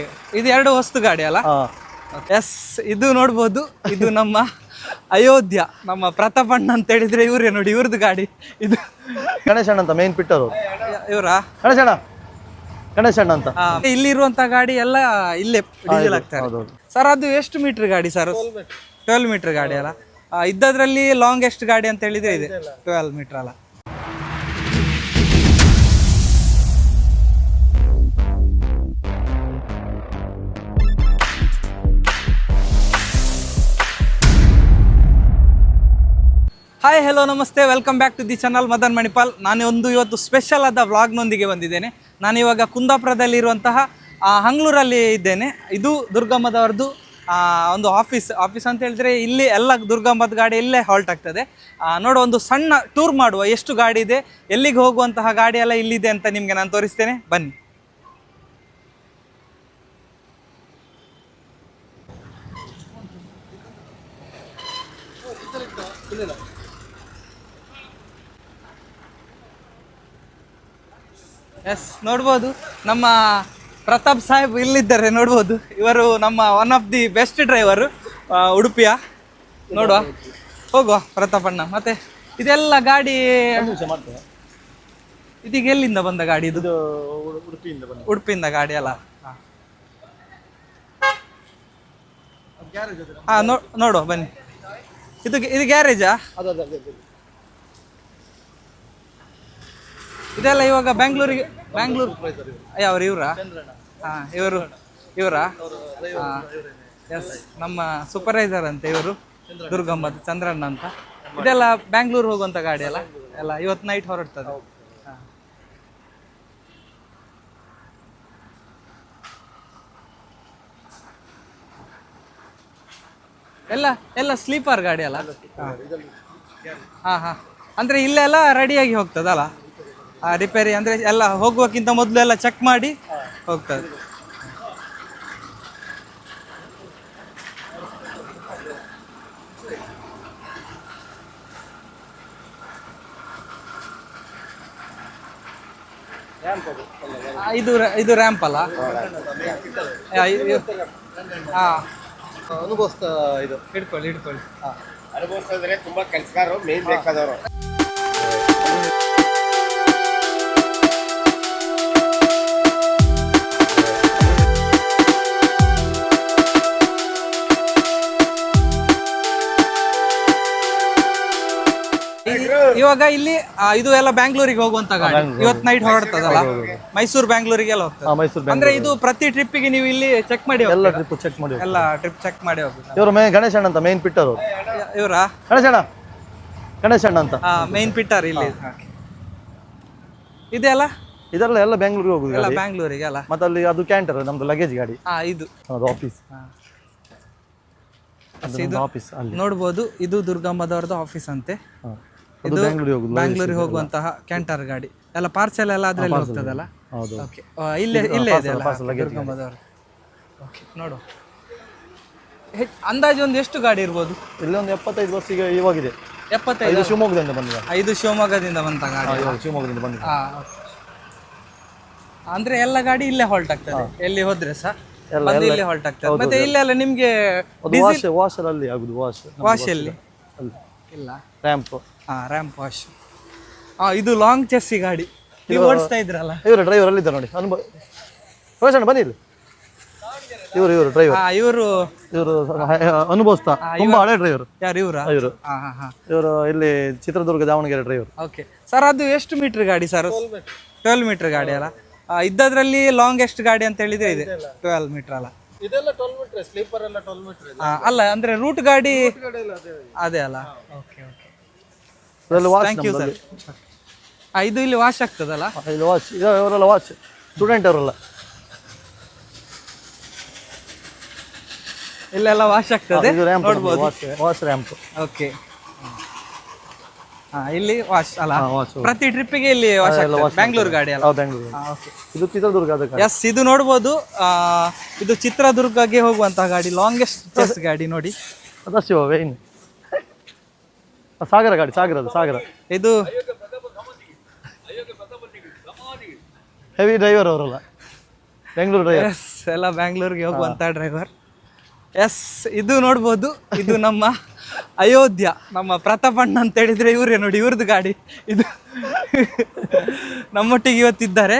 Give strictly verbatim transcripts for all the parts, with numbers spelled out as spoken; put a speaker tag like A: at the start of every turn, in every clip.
A: ಇದು ಎರಡು ವಸ್ತು ಗಾಡಿ ಅಲ್ಲ?
B: ಹಾ
A: ಎಸ್, ಇದು ನೋಡ್ಬೋದು. ಇದು ನಮ್ಮ ಅಯೋಧ್ಯ, ನಮ್ಮ ಪ್ರತಾಪಣ್ಣ ಅಂತ ಹೇಳಿದ್ರೆ ಇವ್ರೇ ನೋಡಿ, ಇವ್ರದ್ದು ಗಾಡಿ ಇದು.
B: ಗಣೇಶಣ್ಣ ಅಂತ ಮೇನ್ ಪಿಟ್ಟರು
A: ಇವರಾ?
B: ಗಣೇಶಣ್ಣ ಗಣೇಶಣ್ಣ ಅಂತ.
A: ಇಲ್ಲಿರುವಂತ ಗಾಡಿ ಎಲ್ಲ ಇಲ್ಲೇ ಡೀಸೆಲ್ ಆಗ್ತಾರೆ ಸರ್. ಅದು ಎಷ್ಟು ಮೀಟರ್ ಗಾಡಿ ಸರ್? ಟ್ವೆಲ್ವ್ ಮೀಟರ್ ಗಾಡಿ ಅಲ್ಲ? ಇದ್ದದ್ರಲ್ಲಿ ಲಾಂಗೆಸ್ಟ್ ಗಾಡಿ ಅಂತ ಹೇಳಿದ್ರೆ ಇದೆ ಟ್ವೆಲ್ವ್ ಮೀಟರ್ ಅಲ್ಲ? ಹಾಯ್, ಹೆಲೋ, ನಮಸ್ತೆ, welcome back to the channel Madan Manipal. ನಾನು ಒಂದು ಇವತ್ತು ಸ್ಪೆಷಲ್ ಆದ ವ್ಲಾಗ್ನೊಂದಿಗೆ ಬಂದಿದ್ದೇನೆ. ನಾನಿವಾಗ ಕುಂದಾಪುರದಲ್ಲಿರುವಂತಹ ಹಂಗ್ಳೂರಲ್ಲಿ ಇದ್ದೇನೆ. ಇದು ದುರ್ಗಮ್ಮದವ್ರದ್ದು ಒಂದು ಆಫೀಸ್ ಆಫೀಸ್ ಅಂತ ಹೇಳಿದ್ರೆ ಇಲ್ಲಿ ಎಲ್ಲ ದುರ್ಗಮ್ಮದ ಗಾಡಿ ಇಲ್ಲೇ ಹಾಲ್ಟ್ ಆಗ್ತದೆ. ನೋಡೋ ಒಂದು ಸಣ್ಣ ಟೂರ್ ಮಾಡುವ, ಎಷ್ಟು ಗಾಡಿ ಇದೆ, ಎಲ್ಲಿಗೆ ಹೋಗುವಂತಹ ಗಾಡಿ ಎಲ್ಲ ಇಲ್ಲಿದೆ ಅಂತ ನಿಮಗೆ ನಾನು ತೋರಿಸ್ತೇನೆ, ಬನ್ನಿ. ಎಸ್, ನೋಡ್ಬೋದು ನಮ್ಮ ಪ್ರತಾಪ್ ಸಾಹೇಬ್ ಇಲ್ಲಿದ್ದಾರೆ, ನೋಡ್ಬೋದು. ಇವರು ನಮ್ಮ one of the best driver ಉಡುಪಿಯ. ನೋಡುವ, ಹೋಗುವ ಪ್ರತಾಪಣ್ಣ. ಮತ್ತೆ ಇದೆಲ್ಲ ಗಾಡಿ ಇದೀಗ ಎಲ್ಲಿಂದ ಬಂದ ಗಾಡಿ? ಇದು ಉಡುಪಿಯಿಂದ ಗಾಡಿ ಅಲ್ಲ? ಹಾ, ನೋಡುವ ಬನ್ನಿ. ಇದು ಇದು ಗ್ಯಾರೇಜಾ? ಇದೆಲ್ಲ ಇವಾಗ ಬ್ಯಾಂಗ್ಳೂರಿಗೆ ಬ್ಯಾಂಗ್ಳೂರ್ ಯಾವ್ರು ಇವರಾ? ಹಾಂ, ಇವರು ಇವರಾ? ಹಾಂ, ಎಸ್, ನಮ್ಮ ಸೂಪರ್ವೈಸರ್ ಅಂತ ಇವರು, ದುರ್ಗಮ್ಮದ ಚಂದ್ರಣ್ಣ ಅಂತ. ಇದೆಲ್ಲ ಬ್ಯಾಂಗ್ಳೂರ್ ಹೋಗುವಂಥ ಗಾಡಿ ಅಲ್ಲ? ಎಲ್ಲ ಇವತ್ತು ನೈಟ್ ಹೊರಡ್ತದೆ. ಹಾಂ, ಎಲ್ಲ ಎಲ್ಲ ಸ್ಲೀಪರ್ ಗಾಡಿ ಅಲ್ಲ? ಹಾಂ ಹಾಂ, ಅಂದರೆ ಇಲ್ಲೆಲ್ಲ ರೆಡಿಯಾಗಿ ಹೋಗ್ತದಲ್ಲ ರಿಪೇರಿ? ಅಂದರೆ ಎಲ್ಲ ಹೋಗುವಕ್ಕಿಂತ ಮೊದಲು ಎಲ್ಲ ಚೆಕ್ ಮಾಡಿ ಹೋಗ್ತದೆ. ಇದು ಇದು ರ್ಯಾಂಪ್ ಅಲ್ಲ? ಹಾಂ,
B: ಅನುಭವಿಸ್ತಾ ಇದು
A: ಹಿಡ್ಕೊಳ್ಳಿ ಹಿಡ್ಕೊಳ್ಳಿ.
B: ಹಾಂ,
C: ಅನುಭವಿಸ್ತಾ ಇದ್ರೆ ತುಂಬಾ ಕೆಲಸಗಾರರು ಮೇನ್ ಬೇಕಾದವರು.
A: ಇವಾಗ ಇಲ್ಲಿ ಇದು ಎಲ್ಲ ಬ್ಯಾಂಗ್ಳೂರಿಗೆ ಹೋಗುವಂತ ಗಾಡಿ ಇವತ್ತು ನೈಟ್ ಹೊರಡ್ತದಲ್ಲ? ಮೈಸೂರು ಬ್ಯಾಂಗ್ಳೂರಿಗೆಲ್ಲ ಹೋಗ್ತದೆ.
B: ಮೈಸೂರು
A: ಅಂದ್ರೆ ಇದು ಪ್ರತಿ ಟ್ರಿಪ್ಪಿಗೆ ನೀವು ಇಲ್ಲಿ ಚೆಕ್ ಮಾಡಿ
B: ಎಲ್ಲ ಟ್ರಿಪ್ ಚೆಕ್ ಮಾಡಿ
A: ಎಲ್ಲ ಟ್ರಿಪ್ ಚೆಕ್ ಮಾಡಿ ಹೋಗ್ಬೇಕು.
B: ಇವರು ಮೇ ಗಣೇಶಣ್ಣ ಅಂತ ಮೇನ್ ಪಿಟ್ಟರು.
A: ಇವರಾ?
B: ಗಣೇಶಣ್ಣ ಗಣೇಶಣ್ಣ ಅಂತ
A: ಮೇನ್ ಪಿಟ್ಟರ್ ಇಲ್ಲಿ ಇದೆಲ್ಲ?
B: ಇದೆಲ್ಲ ಎಲ್ಲ ಬೆಂಗಳೂರಿಗೆ ಹೋಗುದು
A: ಎಲ್ಲ ಬ್ಯಾಂಗ್ಳೂರಿಗೆ ಅಲ್ಲ?
B: ಮತ್ತೆ ಅಲ್ಲಿ ಅದು ಕ್ಯಾಂಟರ್, ನಮ್ದು ಲಗೇಜ್ ಗಾಡಿ.
A: ಹಾ, ಇದು
B: ಅದು ಆಫೀಸ್. ಆಫೀಸ್ ಅಲ್ಲಿ
A: ನೋಡ್ಬೋದು. ಇದು ದುರ್ಗಮ್ಮದವ್ರದ್ದು ಆಫೀಸ್ ಅಂತೆ.
B: ಇದು ಬೆಂಗಳೂರಿಗೆ ಹೋಗುದು,
A: ಬ್ಯಾಂಗ್ಳೂರಿಗೆ ಹೋಗುವಂತಹ ಕ್ಯಾಂಟರ್ ಗಾಡಿ ಎಲ್ಲ. ಪಾರ್ಸೆಲ್ ಎಲ್ಲ ಅದ್ರಲ್ಲಿ ಹೋಗ್ತದಲ್ಲ? ಓಕೆ, ಇಲ್ಲೇ ಇಲ್ಲೇ ಇದೆ ಅಲ್ಲ ದುರ್ಗಮ್ಮದವ್ರು? ಓಕೆ, ನೋಡು. ಅಂದಾಜು ಒಂದು ಎಷ್ಟು ಗಾಡಿ ಇರ್ಬೋದು?
B: ಇಲ್ಲಿ ಒಂದು ಎಪ್ಪತ್ತೈದು ವರ್ಷ ಈಗ ಇವಾಗಿದೆ.
A: ಎಪ್ಪತ್ತೈದು?
B: ಶಿವಮೊಗ್ಗದಿಂದ ಬಂದಿದೆ.
A: ಐದು ಶಿವಮೊಗ್ಗದಿಂದ ಬಂತ ಗಾಡಿ?
B: ಶಿವಮೊಗ್ಗದಿಂದ ಬಂದಿದೆ.
A: ಅಂದ್ರೆ ಎಲ್ಲ ಗಾಡಿ ಇಲ್ಲೇ ಹಾಲ್ಟ್ ಆಗ್ತದೆ, ಎಲ್ಲಿ ಹೋದ್ರೆ ಸಹ ಇಲ್ಲೇ ಹಾಲ್ಟ್ ಆಗ್ತದೆ. ಮತ್ತೆ ಇಲ್ಲೆಲ್ಲ ನಿಮ್ಗೆ
B: ವಾಶ್ ಅಲ್ಲಿ ಆಗುದು. ವಾಶ್
A: ವಾಶ್ ಎಲ್ಲಿ ಇಲ್ಲ?
B: ರ್ಯಾಂಪ್.
A: ಹಾ, ರ್ಯಾಂಪ್ ವಾಶ್. ಹಾ, ಇದು ಲಾಂಗ್ ಚೆಸ್ಸಿ ಗಾಡಿ ನೀವು ಓಡಿಸ್ತಾ ಇದ್ರಲ್ಲ?
B: ಇವರು ಡ್ರೈವರ್ ಅಲ್ಲಿ ಇದ್ದಾರೆ ನೋಡಿ. ಅನುಭವ ರೋಷನ್ ಬನ್ನಿ ಇಲ್ಲಿ. ಇವರು ಇವರು ಡ್ರೈವರ್.
A: ಹಾ, ಇವರು
B: ಇವರು ಅನುಭವಿಸ್ತಾ ತುಂಬಾ ಹಳೆ ಡ್ರೈವರ್.
A: ಯಾರು ಇವರಾ?
B: ಇವರು ಇವರು ಇಲ್ಲಿ Chitradurga Davanagere driver.
A: Okay sir, ಅದು ಎಷ್ಟು ಮೀಟರ್ ಗಾಡಿ ಸರ್? ಟ್ವೆಲ್ವ್ ಮೀಟರ್ ಗಾಡಿ ಅಲ್ಲ? ಇದ್ದದ್ರಲ್ಲಿ ಲಾಂಗೆಸ್ಟ್ ಗಾಡಿ ಅಂತ ಹೇಳಿದ್ರೆ ಇದೆ ಟ್ವೆಲ್ವ್ ಮೀಟರ್ ಅಲ್ಲ?
C: ಇದೆಲ್ಲ ಟ್ವೆಲ್ವ್ ಮೀಟರ್, ಸ್ಲೀಪರ್ ಎಲ್ಲ ಟ್ವೆಲ್ವ್ ಮೀಟರ್.
A: ಅಲ್ಲ, ಅಂದ್ರೆ ರೂಟ್ ಗಾಡಿ ಅದೇ ಅಲ್ಲ? Okay okay, thank you sir. ಇದು ಇಲ್ಲಿ ವಾಶ್ ಆಗ್ತದಲ್ಲ?
B: ಇಲ್ಲಿ ವಾಶ್. ಇವರೆಲ್ಲ ವಾಶ್ ಸ್ಟೂಡೆಂಟ್ ಅವರೆಲ್ಲ
A: ಇಲ್ಲೆಲ್ಲ ವಾಶ್ ಆಗ್ತದೆ, ನೋಡ್ಬೋದು.
B: Wash ramp.
A: ಓಕೆ, ಹಾ, ಇಲ್ಲಿ ವಾಶ್ ಅಲ್ಲ? ಪ್ರತಿ ಟ್ರಿಪ್ಪಿಗೆ ಇಲ್ಲಿ ವಾಶ್ ಆಗ್ತದೆ. ಬ್ಯಾಂಗ್ಳೂರ್ ಗಾಡಿ ಅಲ್ಲ?
B: ಇದು ಚಿತ್ರದುರ್ಗ.
A: ಎಸ್, ಇದು ನೋಡ್ಬೋದು. ಇದು ಚಿತ್ರದುರ್ಗಗೆ ಹೋಗುವಂತಹ ಗಾಡಿ, ಲಾಂಗೆಸ್ಟ್ ಚೆಸ್ ಗಾಡಿ ನೋಡಿ.
B: ಅದಷ್ಟು ಸಾಗರ ಗಾಡಿ, ಸಾಗರದ ಸಾಗರ.
A: ಇದು
B: ಹೆವಿ ಡ್ರೈವರ್ ಅವರಲ್ಲ? ಬೆಂಗಳೂರು ಡ್ರೈವರ್.
A: ಎಸ್, ಎಲ್ಲ ಬ್ಯಾಂಗ್ಳೂರ್ಗೆ ಹೋಗುವಂಥ ಡ್ರೈವರ್. ಎಸ್, ಇದು ನೋಡ್ಬೋದು, ಇದು ನಮ್ಮ ಅಯೋಧ್ಯ, ನಮ್ಮ ಪ್ರತಾಪಣ್ಣ ಅಂತ ಹೇಳಿದ್ರೆ ಇವರೇ ನೋಡಿ, ಇವ್ರದ್ದು ಗಾಡಿ ಇದು. ನಮ್ಮೊಟ್ಟಿಗೆ ಇವತ್ತಿದ್ದಾರೆ.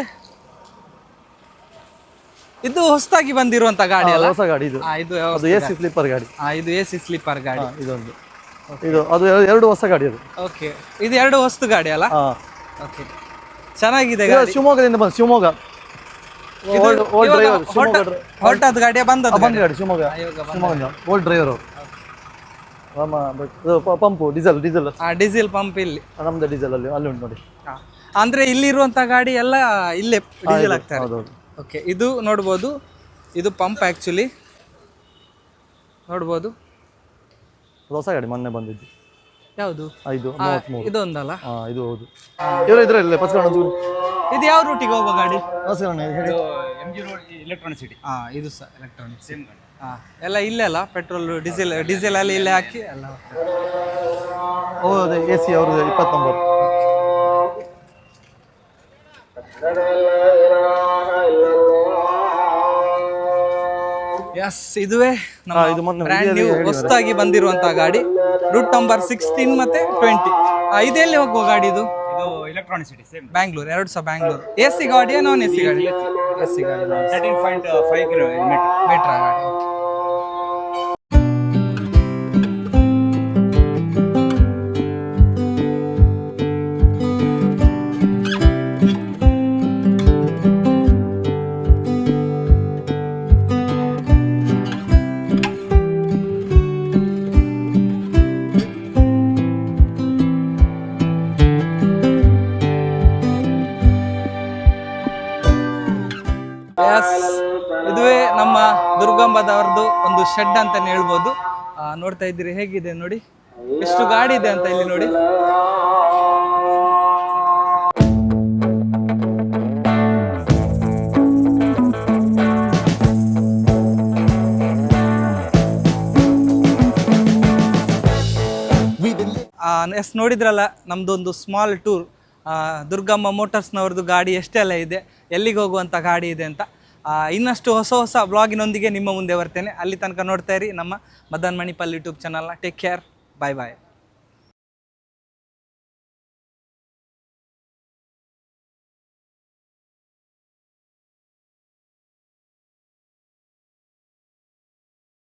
A: ಇದು ಹೊಸದಾಗಿ ಬಂದಿರುವಂತ ಗಾಡಿ ಅಲ್ಲ?
B: ಹೊಸ ಗಾಡಿ ಇದು.
A: ಆ, ಇದು
B: ಅದು ಎ ಸಿ ಸ್ಲೀಪರ್ ಗಾಡಿ.
A: ಆ, ಇದು ಎ ಸಿ ಸ್ಲೀಪರ್ ಗಾಡಿ.
B: ಇದೊಂದು ಇದು ಅದು ಎರಡು ಹೊಸ ಗಾಡಿ ಅದು.
A: ಓಕೆ, ಇದು ಎರಡು ಹೊಸ್ತು ಗಾಡಿ ಅಲ್ಲ?
B: ಹಾ,
A: ಓಕೆ, ಚೆನ್ನಾಗಿದೆ
B: ಇದು
A: ಗಾಡಿ.
B: ಶಿವಮೊಗ್ಗದಿಂದ ಬಂದು Shivamogga old old driver. Shivamogga ಡ್ರೈ-
A: ಹೊರಟದ ಗಾಡಿ ಬಂದದ್ದು
B: ಬಂದ ಗಾಡಿ ಶಿವಮೊಗ್ಗ ಶಿವಮೊಗ್ಗ ಓಲ್ಡ್ ಡ್ರೈವರ್ ಅವರು. ಆಮ ಬಟ್ ಇದು ಪ- ಪಂಪು ಡೀಸೆಲ್ ಡೀಸೆಲ್
A: ಆ ಡೀಸೆಲ್ ಪಂಪ್ ಇಲ್ಲಿ.
B: ನಮ್ದು ಡೀಸೆಲ್ ಅಲ್ಲಿ ಅಲ್ಲಿ ಉಂಟು ನೋಡಿ.
A: ಆ, ಅಂದ್ರೆ ಇಲ್ಲಿರುವಂತ ಗಾಡಿ ಎಲ್ಲ ಇಲ್ಲೇ ಡೀಸೆಲ್ ಹಾಕ್ತಾರೆ.
B: ಹೌದೌದು.
A: ಓಕೆ, ಇದು ನೋಡ್ಬೋದು, ಇದು ಪಂಪ್ ಆ್ಯಕ್ಚುಲಿ ನೋಡ್ಬೋದು.
B: ಅದು ಹೊಸ ಗಾಡಿ ಮೊನ್ನೆ ಬಂದಿದ್ದು.
A: ಯಾವುದು?
B: ಐದು ಮೂವತ್ಮೂರು.
A: ಇದೊಂದಲ್ಲ?
B: ಹಾ, ಇದು ಹೌದು. ಇವರು ಇದ್ರಲ್ಲಿ ಪಸ್ಕೊಂಡು
A: ಇದು ಯಾವ ರೂಟಿಗೆ ಹೋಗೋ ಗಾಡಿ?
B: ಪಸ್ಕೊಂಡು ಹೇಳಿ.
C: M G Road Electronic City.
A: ಹಾ, ಇದು ಸಹ ಎಲೆಕ್ಟ್ರಾನಿಕ್ಸ್ ಸೇಮ್ ಗಾಡಿ. ಹಾ, ಎಲ್ಲ ಇಲ್ಲೇ ಅಲ್ಲ, ಪೆಟ್ರೋಲ್ ಡೀಸೆಲ್ ಡೀಸೆಲ್ ಅಲ್ಲಿ ಇಲ್ಲೇ ಹಾಕಿ ಎಲ್ಲ ಹೋಗ್ತದೆ.
B: ಹೌದು, ಎ ಸಿ ಅವ್ರದ್ದು ಇಪ್ಪತ್ತೊಂಬತ್ತು.
A: ಎಸ್, ಇದುವೇ ನಮ್ಮ
B: ಹಾ, ಇದು ಮೊನ್ನೆ
A: ಬ್ರ್ಯಾಂಡ್ ನ್ಯೂ
B: ಹೇಳಿದ್ದಾರೆ.
A: ಹೊಸದಾಗಿ ಬಂದಿರುವಂತ ಗಾಡಿ, ರೂಟ್ ನಂಬರ್ ಸಿಕ್ಸ್ಟೀನ್ ಮತ್ತೆ ಟ್ವೆಂಟಿ. ಇದೆಲ್ಲಿ ಹೋಗುವ ಗಾಡಿ ಇದು?
C: ಇದು ಎಲೆಕ್ಟ್ರಾನಿಸಿಟಿ ಸೇಮ್.
A: ಬ್ಯಾಂಗ್ಳೂರ್, ಎರಡು ಸಹ ಬ್ಯಾಂಗ್ಳೂರ್. ಎ ಸಿ ಗಾಡಿಯಾ ನಾನ್ ಎ ಸಿ ಗಾಡಿ? ಎ ಸಿ ಗಾಡಿ,
C: thirteen point five kilometre.
A: ಮೀಟ್ರಾ ಗಾಡಿ. ಎಸ್, ಇದುವೇ ನಮ್ಮ ದುರ್ಗಂಬದವ್ರದ್ದು ಒಂದು ಶೆಡ್ ಅಂತಾನೆ ಹೇಳ್ಬೋದು. ಆ, ನೋಡ್ತಾ ಇದ್ದೀರಿ ಹೇಗಿದೆ ನೋಡಿ, ಎಷ್ಟು ಗಾಡಿ ಇದೆ ಅಂತ ಇಲ್ಲಿ ನೋಡಿ. ಎಸ್, ನೋಡಿದ್ರಲ್ಲ ನಮ್ದೊಂದು ಸ್ಮಾಲ್ ಟೂರ್. ದುರ್ಗಮ್ಮ ಮೋಟರ್ಸ್ನವ್ರದ್ದು ಗಾಡಿ ಎಷ್ಟೆಲ್ಲ ಇದೆ, ಎಲ್ಲಿಗೆ ಹೋಗುವಂಥ ಗಾಡಿ ಇದೆ ಅಂತ. ಆ, ಇನ್ನಷ್ಟು ಹೊಸ ಹೊಸ ಬ್ಲಾಗಿನೊಂದಿಗೆ ನಿಮ್ಮ ಮುಂದೆ ಬರ್ತೇನೆ. ಅಲ್ಲಿ ತನಕ ನೋಡ್ತಾ ಇರಿ ನಮ್ಮ ಮದನ್ ಮಣಿಪಾಲ್ ಯೂಟ್ಯೂಬ್ ಚಾನಲ್ನ. ಟೇಕ್ ಕೇರ್, ಬಾಯ್ ಬಾಯ್.